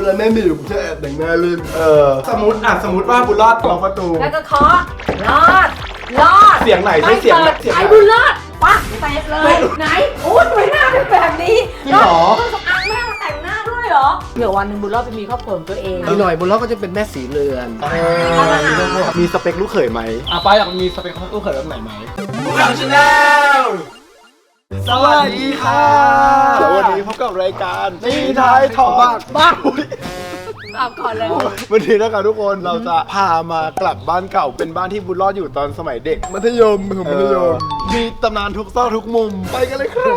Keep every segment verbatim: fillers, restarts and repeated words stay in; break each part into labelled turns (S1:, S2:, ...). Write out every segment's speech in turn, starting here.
S1: เวลาแม่ไม่อยู่ผมจะแอบแต่งหน้าเล่น
S2: เออสมมติอ่ะสมมติว่าบุญรอดล็อกประตู
S3: แล้วก็เคาะรอดรอด
S2: เสียงไหนใช่เสียงแบบเสียง
S3: ไอ้บุญรอดปักเตะเลยไหนโอ้ยทำไมหน้าเป็นแบบนี้
S2: จริงเหรอ
S3: เครื่องสำอางแม่มาแต่งหน้าด้วยเหรอเดี๋ยววันหนึ่งบุญรอดไปมีครอบครัวของตัวเอง
S1: อีกหน่อยบนรถก็จะเป็นแม่สีเรือน
S2: มีสเปคลูกเขยไหมอ่ะป้าอยากมีสเปคลูกเขยแบบไหนไหมทางชาแนลสวัสดีค่ะวันนี้พบกับรายการตีท้ายถอดบ้างบ้าง
S3: เอาก่อนเลย
S2: วันนี้นะครับทุกคนเราจะพามากลับบ้านเก่าเป็นบ้านที่บุญรอดอยู่ตอนสมัยเด็ก
S1: มัธยมผมมัธยม
S2: มีตำนานทุกซอกทุกมุมไปกันเลยครับ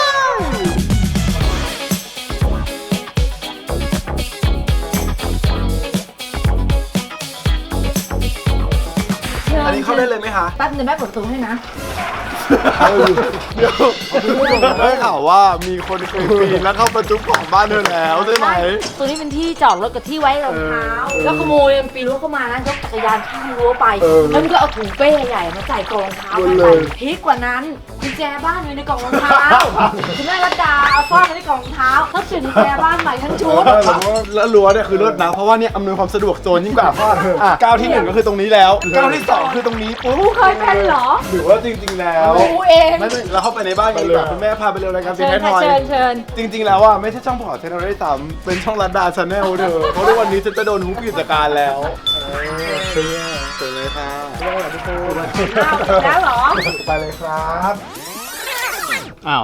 S2: อันนี้เข้าได้เลยไหมคะ
S3: แป๊บนึงแม่เปิดประตูให้นะ
S2: เดี๋ยวได้ข่าวว่ามีคนเคยปีนแล้วเข้าประตูของบ้านเธอแล้วใช่ไหม
S3: ตัวนี้เป็นที่จอดรถกับที่ไว้รองเท้าแล้วขโมยมันปีนรั้วเข้ามานะยกจักรยานข้ามรั้วไปแล้วมันก็เอาถุงเป้ใหญ่มาใส่กล่องรองเท้าไปพีกกว่านั้นกุญแจบ้านอยู่ในกล่องรองเท้าคุณแม่รัตดาเอาซ่อนไว้ในกล่องรองเท้าเขาเปลี่ยนกุญแจบ้านใหม่ทั้งชุด
S2: แล้วรั้วเนี่ยคือเลิศนะเพราะว่าเนี่ยอำนวยความสะดวกโจรยิ่งกว่าพ่ออ่ะก้าวที่หนึ่งก็คือตรงนี้แล้วก้าวที่สองคือตรงนี้ปุ๊บ
S3: เคยเป็นเหรอ
S2: หรือว่าจริงๆแล้ว
S3: กูเอง
S2: ไม่ไม่เราเข้าไปในบ้านกันดีกว่าคุณแม่พาไปเร็วรายการตีท้ายทอย
S3: เชิญเชิญ
S2: จริงๆแล้วอ่ะไม่ใช่ช่องพอร์ตชาแนลได้ซ้ำเป็นช่องรัตดาชาแนลเธอเพราะว่าวันนี้ฉันจะโดนฮุบกิจการแล้วเออเปิดเลยค่ะสวัสดีทุกคน
S3: แล้วเหรอ
S2: ไปเลยครับอ้าว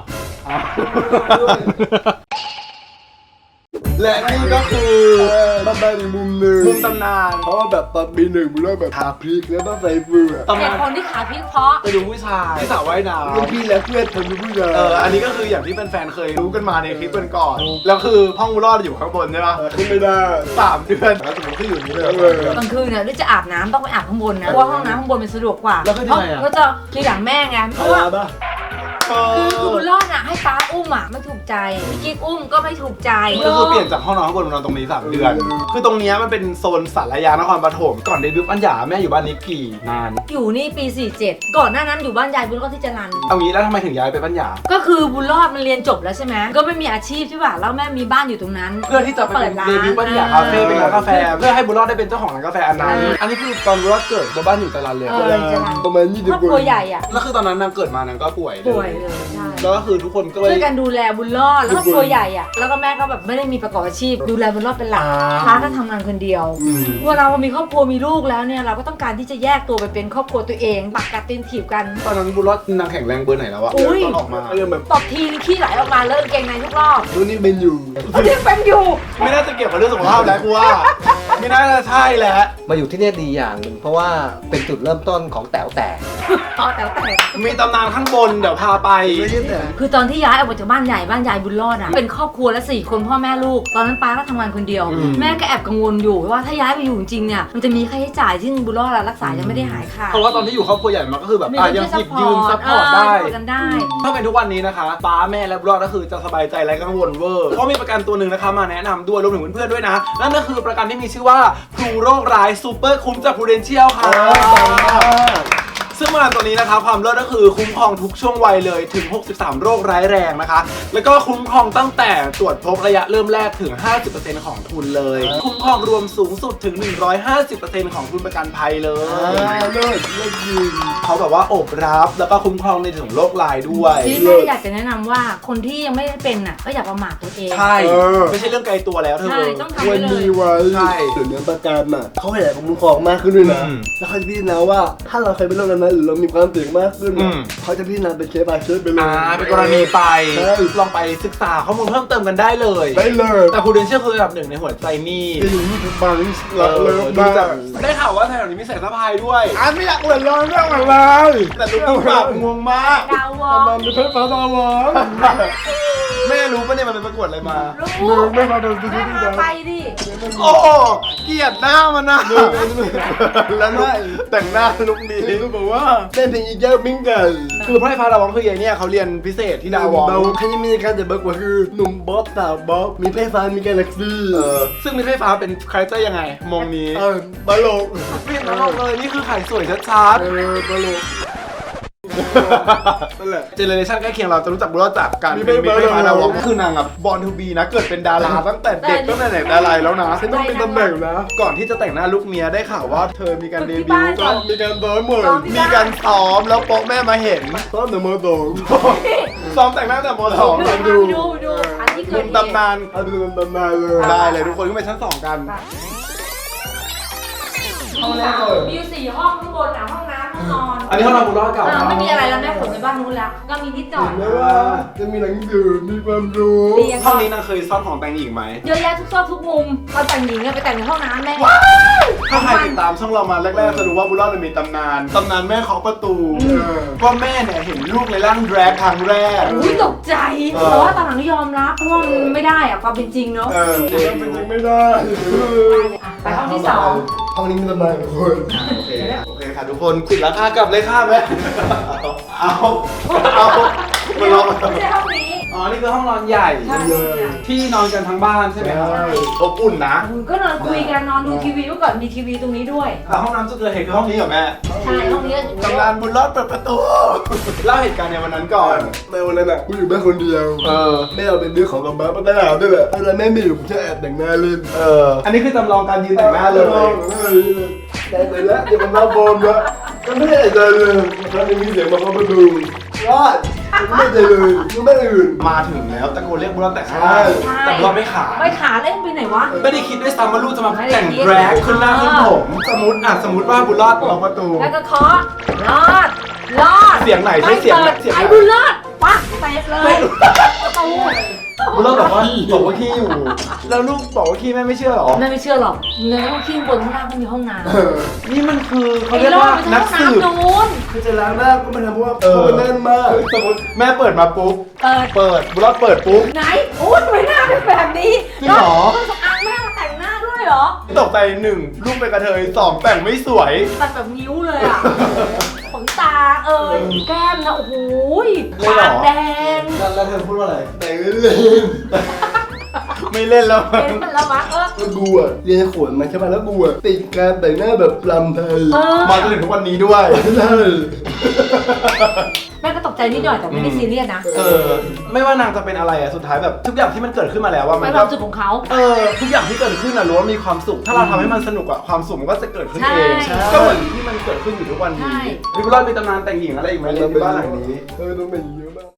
S2: และนี่ก็คือ
S1: บ้านบ้านอีกมุมหนึ่ง
S2: มุมตำนาน
S1: เพราะว่าแบบตอนปีหนึ่งมันเริ่มแบบทาพริกแล้วต้องใส่เฟือก
S3: ตำนานคนที่ขาพริกเพราะ
S2: ไปดูผู้ชายที่สาวว่ายน้ำ
S1: รุ่นพี่และเพื่อนผมเป็นผู้ชาย
S2: เอออันนี้ก็คืออย่างที่แฟนๆเคยรู้กันมาในคลิปก่อนแล้วคือห้องบุญรอดอยู่ข้างบนใช่ปะ
S1: ขึ้นไม่ได้
S2: สามเดือนแล้วสมมติที่อยู่นี่เลย
S3: กลางคืนเนี่ยด้วยจะอาบน้ำต้องไปอาบข้างบนนะเพราะว่าห้องน้ำข้างบนมันสะดวกกว่า
S2: แล้วก็ที่ไหนอ่ะ
S3: ก็จะทีหลังแม่ไงเพราะว่าคือคือบุญรอดอ่ะให้ป้าอุ้มอ่ะไม่ถูกใจพี่กิ๊กอุ้มก็ไม่ถูกใจ
S2: ก็คือเปลี่ยนจากห้องนอนข้างบนมานอนตรงนี้สามเดือนคือตรงนี้มันเป็นโซนสารยานครปฐมก่อนเดบิวต์ปัญญาแม่อยู่บ้านนี้กี่นาน
S3: อยู่นี่ปีสี่สิบเจ็ดก่อนหน้านั้นอยู่บ้านยายบุญรอดที่จรัญ
S2: เอางี้แล้วทำไมถึงย้ายไปปัญญา
S3: ก็คือบุญรอดมันเรียนจบแล้วใช่ไหมก็ไม่มีอาชีพใช่ป่ะแล้วแม่มีบ้านอยู่ตรงนั้น
S2: เพื่อที่จะเปิดร้านเดบิวต์ปัญญาคาเฟ่เป็นร้านกาแฟเพื่อให้บุญรอดได้เป็นเจ้าของร้านกาแฟอันนั้นอันนี้คือตอนบุญรอดเกิดบ้านอยู่จรัญเลย
S1: ประมาณยี่สิบ
S3: ครอบครัวใหญ่อ่ะ
S2: แล้วคือตอนนั้นนางเกิดมานางก็ป่วย
S3: ป่วยเลยใช่
S2: แล้วก็คือทุกคนก็เลย
S3: ช่วยกันดูแลบุญรอดแล้วครอบครัวใหญ่อ่ะแล้วก็แม่ก็แบบไม่ได้มีประกอบอาชีพดูแลบุญรอดเป็นหลักค้าก็ทำงานคนเดียวเวลาเรามีครอบครัวมีลูกแล้วเนี่ยเราก็ต้องการที่จะแยกตัวไปเป็นครอบครัวตัวเองปักกัดตีนถีบกัน
S2: ตอนนั้นบุญรอดนางแข็งแรงเบอร์ไหนแล้วอะตอนออกมา
S3: เริ่มแบบตบทีขี้ไหลออกมาเริ่มเกงในทุกรอบ
S1: รุ่นนี้เป็นอยู่
S3: รุ่นนี้เป็นอยู่
S2: ไม่น่าจะเกี่ยวกับเรื่องสุขภาพแล้วกูว่าไม่น่าจะใช่แหละ
S4: มาอยู่ที่นี่ดีอย่างหนึ่งเพราะว่าเป็นจุดเริ่มต้นของแต๋วแตก
S3: อ๋อแต๋วแตก
S2: มีตำนานข้างบนเดี๋ยวพาไป
S3: คือตอนที่ย้ายออกมาจากบ้านใหญ่บ้านยายบุญรอดอ่ะเป็นครอบครัวละสี่คนพ่อแม่ลูกตอนนั้นป้าก็ทำงานคนเดียวแม่ก็แอบกังวลอยู่ว่าถ้าย้ายไปอยู่จริงๆเนี่ยมันจะมีค่าใช้จ่ายที่บุญรอดรักษายังไม่ได้หายค่ะ
S2: เพราะว่าตอนที่อยู่ครอบครัวใหญ่มันก็คือแบบยังหยิบยืมซัพพอร์ตได้ถ้าเป็นทุกวันนี้นะคะป้าแม่และบุญรอดก็คือจะสบายใจและกังวลเวอร์เพราะมีประกันตัวหนึ่งนะคะมาแนะนำด้วยรวมถึงเพื่อนๆด้วยนะนั่นก็คือประกันที่มีชื่อว่าพลูโรคร้ายซูเปอร์คุ้มจาก Prudential ค่ะซึ่งประกันตัวนี้นะคะความเลิศก็คือคุ้มครองทุกช่วงวัยเลยถึงหกสิบสามโรคร้ายแรงนะคะแล้วก็คุ้มครองตั้งแต่ตรวจพบระยะเริ่มแรกถึง ห้าสิบเปอร์เซ็นต์ ของทุนเลยคุ้มครองรวมสูงสุดถึง หนึ่งร้อยห้าสิบเปอร์เซ็นต์ ของทุนประกันภัยเลย
S1: เลิศเลิศจริง
S2: เขาแบบว่าโอบรับแล้วก็คุ้มครองในถึงโรคร้ายด้วย
S3: ที่แม่อยากจะแนะนำว่าคนที่ยังไม่ได้เป็นอ่ะก็อย่าประมาทตัวเอง
S2: ใช่ไม่ใช่เรื่องไกลตัวแล้วเธอ
S3: ต้องทำไว้เลย
S1: มีไว้ใช่เดี๋ยวเนื้อประกันอ่ะเขาขยายคุ้มครองมากขึ้นด้วยนะแล้วเขาจะพิจารณาว่าถ้าเราเคยเป็นโรคนั้นหรือเรามีความเสี่ยงมากขึ้นเขาจะพิจารณาเป็นเคส by เคสไปเลย
S2: เป็นกรณีไปลองไปศึกษาข้อมูลเพิ่มเติมกันได้เลย
S1: ได้เลย
S2: แต่Prudentialคือระดับหนึ่งในหัวใจนี่
S1: อยู่ที่ทุกบางเราเลย
S2: ได้ข่าวว่าแถวนี้มีสายสะพายด้วย
S1: อ่ะไม่อยากเหมือนเราเรื่องอะไร
S2: แต่ลูกแบบงงมาก
S3: ดาวอ
S1: มันเป็นเพชรฟ้าดาวอ
S2: แม่รู้ปะเนี่ยมันเป็นประกวดอะไรมา
S3: รู้
S1: ไม่มาโดน
S3: แม่พาไปดิ
S2: โอ้เกลียดหน้ามันนะแล้วนุ๊กแต่งหน้านุ๊กดี
S1: นุ๊กบอกว่าเต้นเพลงอีแก้วมิ้งกัน
S2: คือพระไฟฟ้าดาวองคือไอ้เนี่ยเขาเรียนพิเศษที่ดาวอง
S1: เขาจะมีการจะบอกว่าคือหนุ่มบ๊อบสาวบ๊อบมีไฟฟ้ามีกาแล็กซี่
S2: ซึ่งมีไฟฟ้าเป็นคาแรคเตอร์ยังไงมองนี้
S1: เออตลก
S2: ไม่ตลกเลยนี่คือขายสวยชัดๆ
S1: เออตลก
S2: นั่นแหละเจเนอเรชันใกล้เคียงเราจะรู้จักบุญรอดจากการเป็นมิตรไฟฟ้าดาวล็อกคือนางอ่ะบอลทูบีนะเกิดเป็นดาราตั้งแต่เด็กตั้งแต่ไหนแต่ไรแล้วนะ
S1: ฉันต้องเป็นตำแหน่งนะ
S2: ก่อนที่จะแต่งหน้าลูกเมียได้ข่าวว่าเธอมีการเดบิวต์
S1: ก็มีการซ้อมเหมือน
S2: มีการซ้อมแล้วโป๊ะแม่มาเห็น
S1: ซ้อมหนึ่งมือสอง
S2: ซ้อมแต่งหน้าแต่มสอง
S3: ดูดูดูดูอันที่
S2: ห
S3: เกิ
S2: นุ่
S3: ด
S2: ม
S3: เหตุ
S2: ตำนาน
S1: เอาดูตำนานเลย
S2: ได้เลยทุกคนขึ้นไปชั้นสองกัน
S3: มีสามมีอยู่สี่ห้องข้างบนอ่ะห้องน้ำห้องนอน
S2: อันนี้ห้องนอนบุญรอดเก่า
S3: เออไม่มีอะไรแล้วแม่ขนไปบ้านนู้นแล้วก็มีนิดหน่อย
S1: แล้วว่าจะมีหนังสือมีความรู้
S3: เรียน
S2: ห้องนี้นางเคยซ่อนของแต่งหญิงไหม
S3: เยอะแยะทุกซอกทุกมุมตอนแต่งหญิงอะไปแต่งในห้องน้ำแม่
S2: ถ้าใครติดตามช่องเรามาแรกๆจะรู้ว่าบุญรอดมีตำนานตำนานแม่เคาะประตู
S1: เออ
S2: ว่าแม่เนี่ยเห็นลูกในร่างแดรกครั้งแรก
S3: อุ้ยตกใจ
S2: เออ
S3: แต่ว่าตอนหลังก็ยอมรับเพราะว่ามันไม่ได้อะความเป็นจริงเนาะ
S2: เออ
S1: ยังเป็นยังไม่ได้
S3: ไปห้องที่สอง
S1: ห้องนี้มีตำนานของคน
S2: โอเคโอเคค่ะทุกคนปิดราคากลับเลยค่ะแม่เอาเอามาลองมา
S3: ไม่ใช่ห้องนี้
S2: อ๋อนี่คือห้องนอนใหญ่
S3: ใช่
S2: ที่นอนกันทั้งบ้านใช่ไหมครับอบอุ่นนะ
S3: คุณก็นอนคุยกันนอนดูทีวีเมื่อก่อนมีทีวีตรงนี้ด้วย
S2: แต่ห้องน้ำจุดเกิดเหตุคือห้องนี้เหรอแม่
S3: ใช่ห้องนี้
S2: ตำนานบุญรอดเปิดประตูเล่าเหตุการณ์ในวันนั้นก่อน
S1: ในวันนั้นน่ะกูอยู่บ้านคนเดียว
S2: เออ
S1: แม่เอาเป็นเรื่องของกำบ้าป้าตาหนาวด้วยแหละเวลาแม่ไม่อยู่ผมจะแอบแต่งหน้าเล่น
S2: เอออันนี้คือจำลองการยืนแต่งหน้าเลย
S1: แต่งไปแล้วเดี๋ยวมันรับโบมแล้วก็ไม่ได้ใจเลยแล้วมีเสียงมาเข้ามาดูรอดไม่ใจเลยไม่อื่น
S2: มาถึงแล้วตะโกนเรียกบุญรอดแต่งหน้า
S1: ใช่
S2: แต่บุญรอดไม่ขา
S3: ไม่ขาเล่นไปไหนวะ
S2: ไม่ได้คิดด้วยซ้ำว่าลูกจะมา
S3: ไม่ได้
S2: แต่ง
S3: คิด
S2: แดรกขึ้นหน้าขึ้นผมสมมติอ่ะสมมติว่าบุญรอดล็อกประตู
S3: แล้วก็เคาะรอดรอด
S2: เสียงไหนใช้เสียงไหนเสียงไหน
S3: ไอ้บุญรอดปักเตะเลยประตู
S2: บุญรอดบอกว่าบอกว่าขี้อยู่ แล้วลูกบอกว่าขี้แม่ไม่เชื่อหรอ
S3: แม่ไม่เชื่อหรอกเนื้อขี้บนข้างล่างก็มีห้องน้ำ
S2: นี่มันคือเขา
S3: ไอ้
S2: เรียก
S3: รอด
S2: ว่า
S3: ไป
S2: นัก
S3: ห้อง
S2: สืบ
S3: น้ำนู้น
S1: คือจะล้างหน้าก็ไม่ทำเพราะว่าเพราะมันแน่นมาก
S2: สมมติแม่เปิดมาปุ๊บ
S3: เปิด
S2: เปิดบุญรอดเปิดปุ๊บ
S3: ไหนโอ้ยทำไมหน้าเป็นแบบนี้
S2: จริงเหรอ
S3: เครื่องสำอางแม่มาแต่งหน้าด้วยเหรอ
S2: ตกใจหนึ่งลูกเป็นกระเทยสองแต่งไม่สวย
S3: ตัดแบบนิ้วเลยอ่ะ ขนตาเอ่ยแก้มนะโอ้โห
S2: เลยเหรอ
S3: ปากแดง
S2: แล้วเธอพูดว่าอะไร
S1: แต่งเล่น
S2: ไม่เล่นแล้ว
S3: เป็นมันแล้ววะเออ
S1: ๆแล้วกูอ่ะเรียนขวนมาใช่ไหมแล้วกูอ่ะติดการแต่งหน้าแบบลำไทย
S3: เออ
S2: มาจนถึงทุกวันนี้ด้วย
S1: ใช่
S3: แม่ก็ตกใจนิดหน่อยแต่ไม่ได้ซีเรียสนะ
S2: เออ ไม่ว่านางจะเป็นอะไรอะสุดท้ายแบบทุกอย่างที่มันเกิดขึ้นมาแล้วว่ามั
S3: ไม่
S2: น
S3: ความสุขของเขา
S2: เออทุกอย่างที่เกิดขึ้นอะรู้ว่ามีความสุข ถ้าเราทำให้มันสนุกอะความสุขมันก็จะเกิดขึ้นเอง
S3: ใช่
S2: ก็เหมือนที่มันเกิดขึ้นอยู่ทุกวัน
S3: ใช่
S2: นี้พี่บุญรอดมีตำนานแต่งหญิงอะไรอีกไหมในบ้านหลังนี้
S1: เออต้องเป็นอย่างนี้เยอะมาก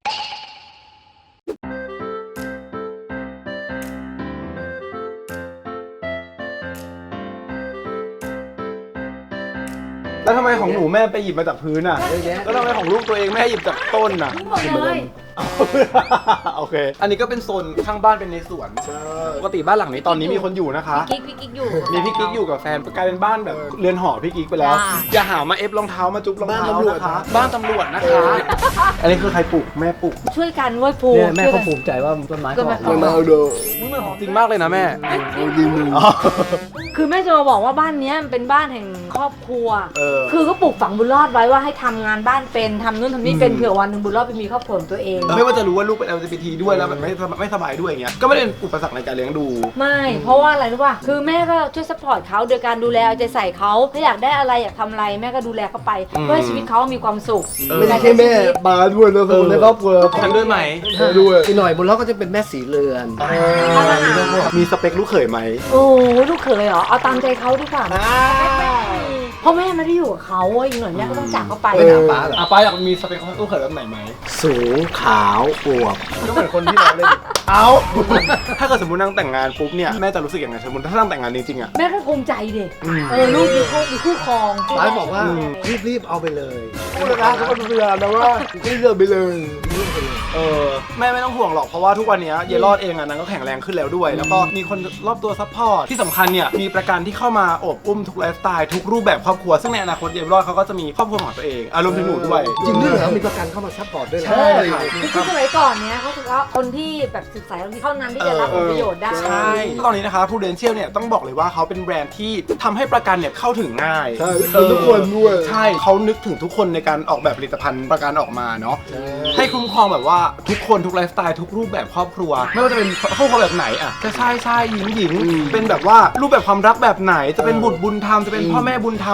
S2: แล้วทำไมของหนูแม่ไปหยิบมาจากพื้นอะ
S4: เยอะแยะ
S2: แล้วทำไมของลูกตัวเองแม่หยิบจากต้นอะ
S3: ทั้งหมดเลย
S2: โอเค อันนี้ก็เป็นโซนข้างบ้านเป็นในสวน
S1: ใช่
S2: ปกติบ้านหลังนี้ตอนนี้มีคนอยู่นะคะ
S3: กิ๊กพี่กิ๊กอยู่
S2: มีพี่กิ๊กอยู่กับแฟนกลายเป็นบ้านแบบเรือนหอพี่กิ๊กไปแล้ว
S3: อ่า
S2: อย่าหามาเอฟรองเท้ามาจุ๊บรองเท้านะคะ บ้านตำรวจนะคะ อันนี้คือใครปลูกแม่ปลูก
S3: ช่วยกันเว้ยภู
S4: เนี่ยแม่
S3: ช่วย
S4: เขา
S3: กัน
S4: ภูมิใจว่าต้นไม้เขาออก
S3: ก็
S1: มา
S3: แม่
S1: เอาโด
S2: อุ๊ยมันของจริงมากเลยนะแม่
S1: เอาดีมือ
S3: คือแม่จะมาบอกว่าบ้านเนี้ยมันเป็นบ้านแห่งครอบครัว
S2: เออ
S3: คือก็ปลูกฝังบุญรอดไว้ว่าให้ทำงานบ้านเป็นทำนู่นทำนี่เป็นเผื่อวันหนึ่งบุญรอดไปมีครอบครัวของตัวเอง
S2: ไม่ว่าจะรู้ว่าลูกเป็น แอล จี บี ที ด้วยแล้วแบบไม่ไม่สบายด้วยอย่างเงี้ย ก็ไม่ได้เป็นอุปสรรคในการเลี้ยงดู
S3: ไม่ เพราะว่าอะไรรู้ป่ะ คือแม่ก็ช่วยซัพพอร์ตเขาโดยการดูแลเอาใจใส่เขาถ้าอยากได้อะไรอยากทำอะไรแม่ก็ดูแลเขาไป
S2: อืม
S3: เพื่อให้ชีวิตเขามีความสุข
S2: เออ
S1: ไม่ใช่แค่แม่ปาด้วยนะคนในครอบครัว
S2: ฉันด้วยไหม
S1: ใช่ด้วย
S4: อีกหน่อยบุญรอดก็จะเป็นแม่สีเรือน
S2: มีสเปคลูกเขยไหม
S3: โอ้ลูกเขยเหรอ เอาตามใจเขาดีกว่าเพราะแม่ไม่ได้อยู่กับเขาอีกหน่อยแม่ก็ต้องจากเขาไป
S4: ไม่หาป้าเหรอ
S2: อ่ะป้าอยากมีสเปคลูกเขยแบบไหนไหม
S4: สูงขาวอวบ
S2: ก็เหมือนคนที่เราเล่น เอา ถ้าเกิดสมมตินางแต่งงานปุ๊บเนี่ยแม่จะรู้สึกยังไงสมมติถ้านางแต่งงานจริงๆอ่ะ
S3: แม่ก็ภูมิใจดิเออลูกมีคู่มีคู่ครอง
S4: ป้าบอกว่ารีบๆเอาไปเลย
S1: พูดแล้วนะทุกคนดูพยานนะว่าไม่เลือกไปเลย
S2: เออแม่ไม่ต้องห่วงหรอกเพราะว่าทุกวันนี้เยลอดเองอ่ะนางก็แข็งแรงขึ้นแล้วด้วย แล้วก็มีคนรอบตัวซัพพอร์ตที่สำคัญเนี่ยมีประกันที่เข้ามาโอบอุ้มทุกไลฟ์สไตล์ทุกรูปแบบครอบครัวซึ่งในอนาคตเยลอดเขาก็จะมีครอบครัวของตัวเองอารวมถึงหนูด้วย
S4: จริงด้วยเหรอมีประกันเข้ามาซัพพอร์ตด้วยเหรอ
S2: ใช่ค่ะ
S3: คือสมัยก่อนเนี้ยเขาถือว่าคนที่แบบศึกษาเท่านั้นที่จะรับผลประโยชน์ได้
S2: ใช่ตอนนี้นะคะ Prudential เนี่ยต้องบอกเลยว่าเขาเป็นแบรนด์ที่ทำให้ประกันเนี่ยเข้าถึงง่าย
S1: ใช่คือทุกคนด้วย
S2: ใช่เขานึกถึงทุกคนในการออกแบบผลิตภัณฑ์ประกันออกมาเนาะให้คุ้มครองแบบว่าทุกคนทุกไลฟ์สไตล์ทุกรูปแบบครอบครัว ไม่ว่าจะเป็นครอบครัวแบบไหนอ่ะจะชายชายหญิงหญิงเป็นแบบว่ารูปแบบความรักแบบไหนจะเป็นบุตรบุญธรรมจะเป็นพ่อแม่บุญธรรม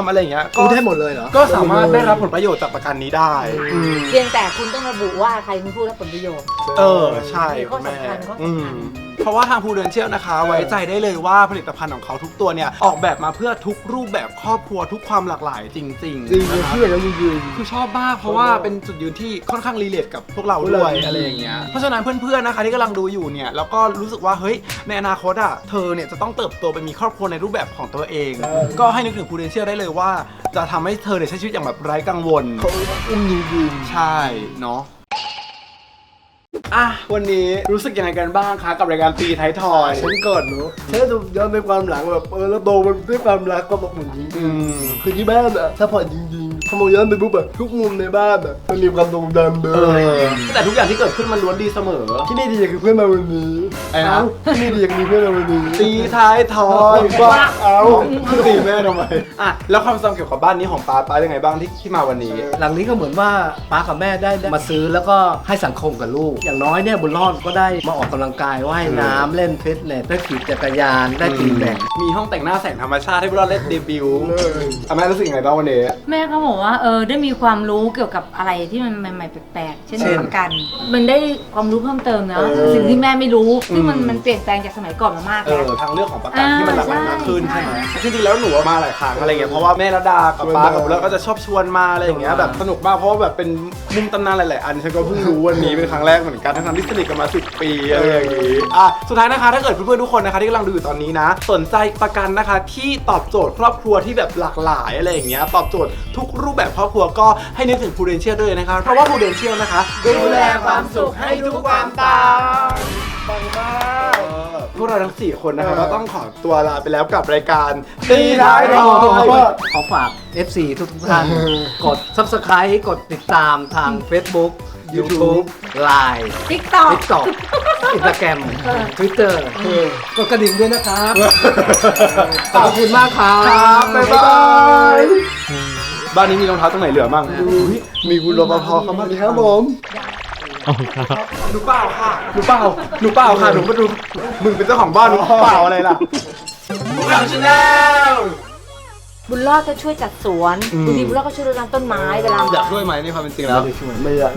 S2: อะไรอย่างเงี้ย
S4: กูได้หมดเลยเหรอ
S2: ก็สามารถได้รับผลประโยชน์จากประกันนี้ได้
S3: เพียงแต่คุณต้องระบุว่าใครเป็นผู้รับผลประโยชน์
S2: เออใช่
S3: มีข้อ
S2: คุณแม่
S3: สำคัญข้อ
S2: อื
S3: สำ
S2: ม
S3: คัญ
S2: เพราะว่าทางพูเดนเชียลนะคะ ไว้ใจได้เลยว่าผลิตภัณฑ์ของเขาทุกตัวเนี่ยออกแบบมาเพื่อทุกรูปแบบครอบครัวทุกความหลากหลายจริงๆ
S1: จริง
S2: นะคะ
S1: เพื่อนแล้วจริง
S2: คือชอบมากเพราะว่าเป็นจุดยืนที่ค่อนข้างรีเลทกับพวกเราด้วยอะไรอย่างเงี้ยเพราะฉะนั้นเพื่อนๆนะคะที่กำลังดูอยู่เนี่ยแล้วก็รู้สึกว่าเฮ้ยในอนาคตอ่ะเธอเนี่ยจะต้องเติบโตไปมีครอบครัวในรูปแบบของตัวเอง ก็ให้นึกถึงพูเดนเชียลได้เลยว่าจะทำให้เธอเนี่ยใช้ชีวิตอย่างแบบไร้กังวล
S1: ๆเขาอุ้มจริง
S2: ใช่เนาะอ่ะวันนี้รู้สึกยังไงกันบ้างคะกับรายการตีไทยทอย
S1: ๆฉันก่อนเนาะฉันดูย้อนไปความหลังแบบเออแล้วโตมันด้วยความรักความอบอุ่นจริง
S2: อืม
S1: ๆคือที่บ้านอะถ้าผ่อนจริงๆพอมองย้อนไปปุ๊บแบบทุกมุมในบ้านอะมันมีความทรงจำเล
S2: เอย อแต่ทุกอย่างที่เกิดขึ้นมันล้วนดีเสมอ
S1: ที่นี่ดีอย่างคือเพื่อนมาวันนี้
S2: ไอ้นะ
S1: เาที่นี่ดีอย่างมีเพื่อนมาวันนี้
S2: ตีท้ายทอย
S1: ว่าเอา
S2: ตีแม่ทำไมอ่ะแล้วความทรงเกี่ยวกับบ้านนี้ของป้าป้ายังไงบ้างที่ที่มาวันนี้
S4: หลังนี้ก็เหมือนว่าป้ากับแม่ได้ได้มาซื้อแล้วก็ให้สังคมกับลูก อย่างน้อยเนี่ยบุญรอดก็ได้มาออกกำลังกายว่ายน้ำเล่นฟิตเนสได้ขี่จักรยานได้ตีแบด
S2: มีห้องแต่งหน้าแสงธรรมชาติให้พวกเราเล่นเดบิวต์อ่ะแม่รู้สึกยังไงบ้างวันนี้
S3: แม่ก็บอกว่าเออได้มีความรู้เกี่ยวกับอะไรที่มันใหม่ๆแปลกๆเช่น
S4: เช่น
S3: ประกัน มันได้ความรู้เพิ่มเติมเนาะสิ่งที่แม่ไม่รู้ซึ่งมันมันเปลี่ยนแปลงจากสมัยก่อนมามาก
S2: เอ
S3: แล้ว
S2: อทางเลือกของประกันที่มันหลากหลายมากขึ้น
S3: ใช่
S2: ใช่ไหมจริงๆแล้วหนูมาหลายครั้งอะไรเงี้ยเพราะว่าแม่ระดากับป้ากับเราก็จะชอบชวนมาอะไรอย่างเงี้ยแบบสนุกมากเพราะว่าแบบเป็นมุมตำนานหลายๆอันฉันก็เพิ่งรู้วันนี้เป็นครั้งแรกเหมือนกันทั้งๆที่สนิทกันมาสิบปีอะไรอย่างงี้อ่ะสุดท้ายนะคะถ้าเกิดเพื่อนๆทุกคนนะคะที่กำลังดูอยู่ตอนนี้นะสนใจประกันนะคะที่ตอบโจทย์ครอบครัวที่แบบหลากหลายอะไรอย่างเงี้ยตอบโจทย์ทุกรูปแบบครอบครัวก็ให้นึกถึง Prudential ด้วยนะคะเพราะว่า Prudential นะคะดูแลความสุขให้ทุกความต่างปังมากพวกเราทั้งสี่คนนะคะก็ต้องขอตัวลาไปแล้วกับรายการตีท้ายทอย
S4: ขอฝาก เอฟ ซี ทุกๆท่าน กด Subscribe กดติดตามทาง Facebook YouTube Line
S3: ติ๊กต็อก
S4: TikTok Instagram Twitter กดกระดิ่งด้วยนะครับ ขอบคุณมากครับ
S2: ครับบ๊ายบายบ้านนี้มีรองเท้าตรงไหนเหลือมั่ง
S1: มีคุณรปภเข้ามาดีครับผม
S2: หนูเปล่าค่ะหนูเปล่าหนูเปล่าค่ะหนูมาดูมึงเป็นเจ้าของบ้านหนูเปล่าอะไรล่ะพวกเราชาแนล
S3: บุญรอดก็ช่วยจัดสวนบางทีบุญรอดก็ช่วยรดน้ำต้นไม้เวลา
S2: อยากช่วยไหมในความเป็นจริงแล้ว
S1: ไม่อยาก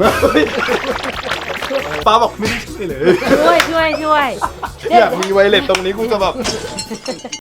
S2: ป้าบอกไม่ได้ช่วยเลย
S3: ช่วยช่วยช่วย
S2: อยากมีไวเลสตรงนี้กูจะแบบ